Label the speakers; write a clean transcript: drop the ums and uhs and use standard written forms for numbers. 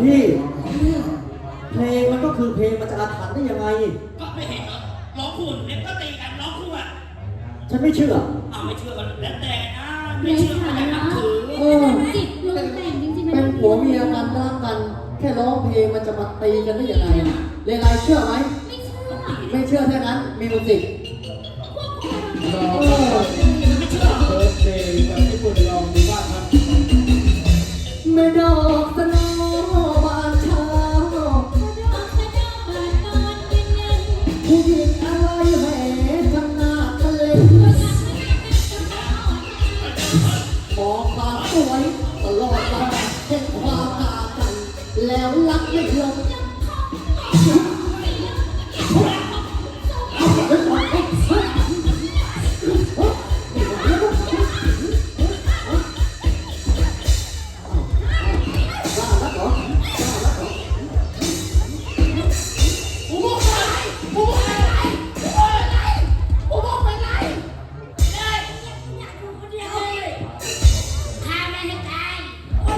Speaker 1: พี่เพลงมันก็คือเพลงมันจะอาถรรพ์ได้ยังไง
Speaker 2: ก็ไม่เห็นเหรอร้องคู่เด็กก็ตีกันร้องคู่อ่ะ
Speaker 1: ฉันไม่เชื่อ
Speaker 2: ไม่เชื่อกันแล้วแต่นะไม่เชื่อก็อย่านับถือ
Speaker 3: จิตลงแต่งจริงๆ
Speaker 1: เป็นผัวเมียกันรักกันแค่ร้องเพลงมันจะมาตีกันได้ยังไงเลไลเชื่อไหมไม่เชื่อแค่นั้นมิวสิก
Speaker 2: ไม่เชื่อ
Speaker 4: เปิดเพลงแบบญี่ปุ่นลองดูบ้างครับ
Speaker 1: แม่ดอกตะโนบานเช้าผู้หญิงอะไรแห่ทำหน้าทะเลมองความสวยตลอดวันเห็นความตากันแล้วรักไม่ลง